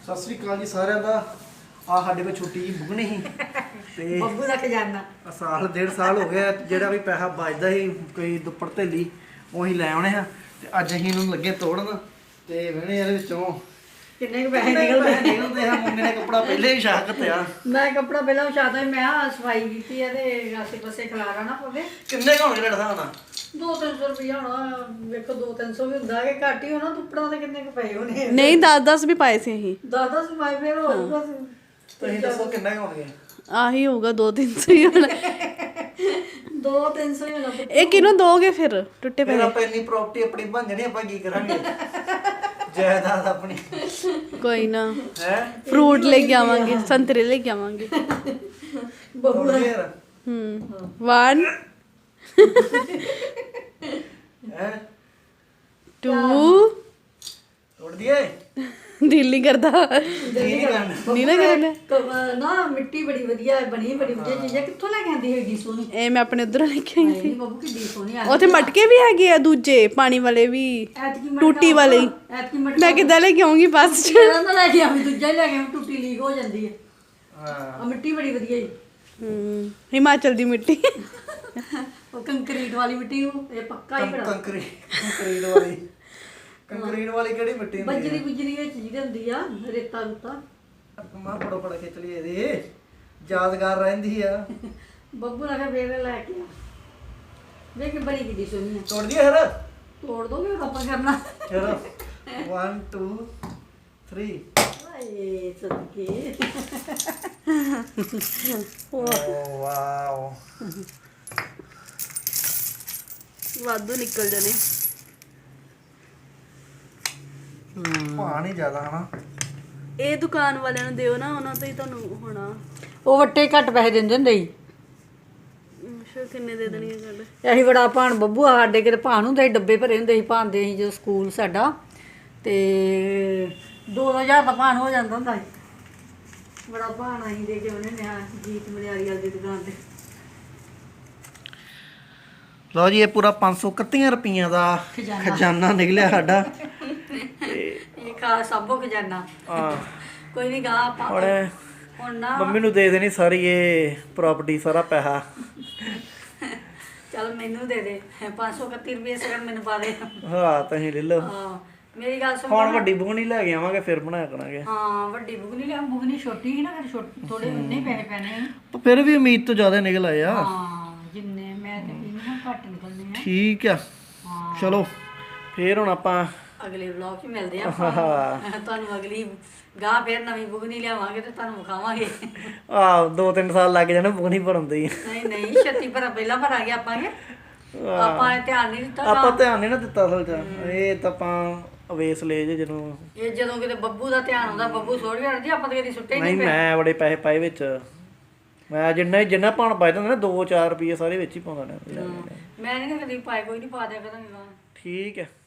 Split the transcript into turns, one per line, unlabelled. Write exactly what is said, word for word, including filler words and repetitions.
ਸਤਿ ਸ੍ਰੀ ਅਕਾਲ ਜੀ ਸਾਰਿਆਂ ਦਾ। ਆ ਸਾਡੇ ਕੋਲ ਛੁੱਟੀ ਜੀ ਬੁਗਣੀ ਸੀ ਤੇ
ਬੱਬੂ ਦਾ ਖਜ਼ਾਨਾ
ਸਾਲ ਡੇਢ ਸਾਲ ਹੋ ਗਿਆ ਜਿਹੜਾ ਵੀ ਪੈਸਾ ਬਚਦਾ ਸੀ ਕੋਈ ਦੁੱਪੜ ਥੈਲੀ ਉਹੀ ਲੈ ਆਉਣੇ ਆ ਤੇ ਅੱਜ ਅਸੀਂ ਇਹਨੂੰ ਲੱਗੇ ਤੋੜਨ ਤੇ ਵੇਣੇ ਇਹਦੇ ਵਿੱਚੋਂ
ਕਿੰਨੇ ਕੁ ਪੈਸੇ
ਕਿੰਨੇ
ਨਿਕਲਦੇ
ਪੈਸੇ ਨਿਕਲਦੇ ਆ। ਮੁੰਡੇ ਨੇ ਕੱਪੜਾ ਪਹਿਲੇ ਹੀ ਛਾਕ ਤਿਆ।
ਮੈਂ ਕੱਪੜਾ ਪਹਿਲਾਂ ਵਿਛਾਤਾ ਮੈਂ ਆ ਸਫਾਈ ਕੀਤੀ ਹੈ ਤੇ ਆਸੇ ਪਾਸੇ ਖਲਾਰਾ ਨਾ ਪਵੇ।
ਕਿੰਨੇ ਕੁ ਹੋਣਗੇ ਤੁਹਾਡਾ ਹਿਸਾਬ ਨਾਲ?
ਦੋ ਤਿੰਨ ਸੌ ਰੁਪਇਆ ਹੋਣਾ। ਵੇਖੋ ਦੋ ਤਿੰਨ ਸੌ ਵੀ ਹੁੰਦਾ ਕਿ ਘੱਟ ਹੀ ਹੋਣਾ। ਦੁੱਪੜਾਂ ਦੇ ਕਿੰਨੇ ਕੁ ਪਏ ਹੋਣੇ?
ਨਹੀਂ ਦਸ ਦਸ ਵੀ ਪਾਏ ਸੀ ਅਸੀਂ।
ਦਸ ਦਸ ਪਾਏ ਫੇਰ ਹੋਊਗਾ।
ਤੁਸੀਂ ਦੱਸੋ ਕਿੰਨੇ ਕੁ ਹੋਣਗੇ?
ਆਹੀ ਹੋਊਗਾ ਦੋ ਤਿੰਨ ਸੌ ਹੀ ਹੋਣਾ।
ਦੋ ਤਿੰਨ ਸੌ ਹੀ ਹੋਣਾ।
ਇਹ ਕਿਹਨੂੰ ਦੋਗੇ ਫਿਰ ਟੁੱਟੇ
ਫਿਰ
ਪਏ?
ਆਪਾਂ ਇੰਨੀ ਪ੍ਰਾਪਰਟੀ ਆਪਣੀ ਬਣ ਜਾਣੀ, ਆਪਾਂ ਕੀ ਕਰਾਂਗੇ? ਜਾਇਦਾਦ ਆਪਣੀ
ਕੋਈ ਨਾ
ਹੈ।
ਫਰੂਟ ਲੈ ਕੇ ਆਵਾਂਗੇ, ਸੰਤਰੇ ਲੈ ਕੇ ਆਵਾਂਗੇ।
ਬੱਬੂ ਦਾ
ਹੂੰ ਵਨ
ਹੈ
ਟੂ
ਤੋੜ ਦਈਏ?
ਦਿਲ ਨਹੀਂ ਕਰਦਾ।
ਨਹੀਂ ਕਰਨਾ।
ਨਹੀਂ ਨਾ ਕਰਨਾ।
ਕ- ਨਾ ਮਿੱਟੀ ਬੜੀ ਵਧੀਆ ਹੈ, ਬਣੀ ਬੜੀ ਵਧੀਆ ਚੀਜ਼ ਹੈ। ਕਿੱਥੋਂ ਲੈ ਕੇ ਆਂਦੀ ਹੈਗੀ ਸੋਹਣੀ?
ਇਹ ਮੈਂ ਆਪਣੇ ਉਧਰੋਂ ਲੈ ਕੇ ਆਈ
ਨਹੀਂ
ਸੀ।
ਬੱਬੂ ਕਿੱਡੀ ਸੋਹਣੀ ਆ।
ਉੱਥੇ ਮਟਕੇ ਵੀ ਹੈਗੇ ਆ ਦੂਜੇ ਪਾਣੀ ਵਾਲੇ ਵੀ,
ਐਤਕੀ ਮਟਕਾ
ਟੂਟੀ ਵਾਲੇ ਹੀ।
ਐਤਕੀ ਮਟਕਾ
ਮੈਂ ਕਿੱਦਾਂ ਲੈ ਕੇ ਆਉਂਗੀ ਬੱਸ 'ਚ?
ਜਿਹੜਾ ਨਾ ਲੈ ਕੇ ਆਵੀਂ, ਦੂਜਾ ਹੀ ਲੈ ਕੇ ਆਵੀਂ, ਟੁੱਟੀ ਲੀਕ ਹੋ ਜਾਂਦੀ ਹੈ।
ਹਾਂ
ਆ ਮਿੱਟੀ ਬੜੀ ਵਧੀਆ ਹੈ।
ਹੂੰ ਹਿਮਾਚਲ ਦੀ ਮਿੱਟੀ।
ਉਹ ਕੰਕਰੀਟ ਵਾਲੀ ਮਿੱਟੀ ਉਹ ਇਹ ਪੱਕਾ ਹੀ ਬੜਾ
ਕੰਕਰੀਟ ਕੰਕਰੀਟ ਵਾਲੀ ਕੰਕਰੀਟ ਵਾਲੀ ਕਿਹੜੀ ਮਿੱਟੀ ਹੁੰਦੀ
ਬੱਜਰੀ ਬੁਜਰੀ ਵਿੱਚ ਜਿਹਦੀ ਹੁੰਦੀ ਆ ਰੇਤਾ ਰੂਤਾ।
ਮਾਂ ਫੜੋ ਫੜ ਖਿੱਚ ਲਈ ਇਹਦੇ ਯਾਦਗਾਰ ਰਹਿੰਦੀ ਆ।
ਬੱਬੂ ਨੇ ਕਿਹਾ ਵੇਲੇ ਲੈ ਕੇ ਆ। ਵੇਖ ਬੜੀ ਕਿੱਡੀ ਸੋਹਣੀ ਆ।
ਤੋੜ ਦਈਏ ਫਿਰ?
ਤੋੜ ਦੋਗੇ ਆਪਾਂ ਕਰਨਾ।
ਚਲੋ one two three।
ਆਏ ਸਦਕੇ
ਓ ਵਾਓ
ਵਾਧੂ ਨਿਕਲ ਜਾਣੇ।
ਪਾਣੀ ਜ਼ਿਆਦਾ ਹਨਾ।
ਇਹ ਦੁਕਾਨ ਵਾਲਿਆਂ ਨੂੰ ਦਿਓ ਨਾ, ਉਹਨਾਂ ਤੋਂ ਹੀ ਤੁਹਾਨੂੰ ਹੋਣਾ।
ਉਹ ਵੱਟੇ ਘੱਟ ਪੈਸੇ ਦਿੰਦੇ ਹੁੰਦੇ ਸੀ।
ਅੱਛਾ ਕਿੰਨੇ ਦੇ ਦੇਣਗੇ ਸਾਡੇ?
ਅਸੀਂ ਬੜਾ ਭਾਣ ਬੱਬੂ ਆ ਸਾਡੇ ਕਿਤੇ ਭਾਣ ਹੁੰਦੇ ਸੀ, ਡੱਬੇ ਭਰੇ ਹੁੰਦੇ ਸੀ ਭਾਣ ਦੇ ਸੀ ਜਦੋਂ ਸਕੂਲ ਸਾਡਾ। ਤੇ ਦੋ ਹਜ਼ਾਰ ਦਾ ਭਾਣ ਹੋ ਜਾਂਦਾ ਹੁੰਦਾ ਸੀ। ਬੜਾ ਭਾਣ ਅਸੀਂ ਦੇ ਕੇ ਉਹਨੇ ਨਿਆ ਜੀਤ ਮਲਿਆਰੀ ਵਾਲੀ ਦੀ ਦੁਕਾਨ ਤੇ।
ਲਓ ਜੀ ਇਹ ਪੂਰਾ ਪੰਜ ਸੌ ਇਕੱਤੀ ਰੁਪਈਆਂ ਦਾ
ਖਜ਼ਾਨਾ।
ਖਜ਼ਾਨਾ ਨਿਕਲਿਆ ਸਾਡਾ।
ਇਹ ਖਾ ਸਭੋ ਖਜ਼ਾਨਾ।
ਹਾਂ
ਕੋਈ ਨਹੀਂ ਗਾ ਆਪਾਂ
ਹੁਣ
ਹੁਣ ਨਾ
ਮੰਮੀ ਨੂੰ ਦੇ ਦੇਣੀ ਸਾਰੀ ਇਹ ਪ੍ਰਾਪਰਟੀ, ਸਾਰਾ ਪੈਸਾ।
ਚੱਲ ਮੈਨੂੰ ਦੇ ਦੇ ਪੰਜ ਸੌ ਇਕੱਤੀ ਰੁਪਏ ਸਗਨ ਮੈਨੂੰ ਪਾ ਦੇ।
ਹਾਂ ਤੁਸੀਂ ਲੈ ਲਓ।
ਹਾਂ ਮੇਰੀ ਗੱਲ ਸੁਣ।
ਹੁਣ ਵੱਡੀ ਬੁਗਣੀ ਲੈ ਕੇ ਆਵਾਂਗੇ ਫਿਰ ਬਣਾਇਆ ਕਰਾਂਗੇ।
ਹਾਂ ਵੱਡੀ ਬੁਗਨੀ ਲਿਆ। ਬੁਗਨੀ ਛੋਟੀ ਸੀ ਨਾ ਫਿਰ ਛੋਟੀ ਥੋੜੇ ਉਨੇ ਹੀ ਪੈਸੇ ਪੈਣੇ ਸੀ।
ਪਰ ਫਿਰ ਵੀ ਉਮੀਦ ਤੋਂ ਜ਼ਿਆਦਾ ਨਿਕਲ ਆਏ ਆ।
ਹਾਂ ਜਿੰਨੇ ਮੈਂ ਤੇ ਇਹਨਾਂ ਘੱਟ ਨਿਕਲਨੇ ਆ।
ਠੀਕ ਆ
ਹਾਂ
ਚਲੋ ਫਿਰ ਹੁਣ ਆਪਾਂ
ਅਗਲੇ ਵਲੌਗ 'ਚ ਮਿਲਦੇ ਆ ਆਪਾਂ। ਤੁਹਾਨੂੰ ਅਗਲੀ ਗਾਹ ਫਿਰ ਨਵੀਂ ਬੁਗਨੀ ਲਿਆਵਾਂਗੇ ਤੇ ਤੁਹਾਨੂੰ ਵਿਖਾਵਾਂਗੇ।
ਆ ਦੋ ਤਿੰਨ ਸਾਲ ਲੱਗ ਜਾਣੇ ਬੁਗਣੀ ਭਰਨ ਦੇ ਹੀ।
ਨਹੀਂ ਨਹੀਂ ਛੱਤੀ ਭਰਾ ਪਹਿਲਾਂ ਭਰਾਂਗੇ ਆਪਾਂਗੇ। ਆਪਾਂ ਇਹ ਧਿਆਨ ਨਹੀਂ ਦਿੱਤਾ।
ਆਪਾਂ ਧਿਆਨ ਨਹੀਂ ਨਾ ਦਿੱਤਾ ਅਸਲ 'ਚ। ਇਹ ਤਾਂ ਆਪਾਂ ਅਵੇਸ ਲੈ ਜੇ ਜਦੋਂ
ਇਹ ਜਦੋਂ ਕਿਤੇ ਬੱਬੂ ਦਾ ਧਿਆਨ ਹੁੰਦਾ ਬੱਬੂ ਸੋੜ ਜਾਂਦੀ ਆਪਾਂ ਤਾਂ ਕਦੀ ਸੁੱਟੇ ਹੀ
ਨਹੀਂ।
ਨਹੀਂ ਪਏ।
ਮੈਂ ਬੜੇ ਪੈਸੇ ਪਾਏ ਵਿੱਚ। ਮੈਂ ਜਿੰਨਾ ਜਿੰਨਾ ਪਾਣ ਪਾਏ ਤਾਂ ਨਾ ਦੋ ਚਾਰ ਰੁਪਏ ਸਾਰੇ ਵਿੱਚ ਹੀ ਪਾਉਂਦਾ ਰਿਹਾ।
ਮੈਂ ਨਹੀਂ ਕਦੀ ਪਾਏ। ਕੋਈ ਨਹੀਂ ਪਾ ਦਿਆ ਕਰਾਂਗੇ।
ਠੀਕ ਹੈ।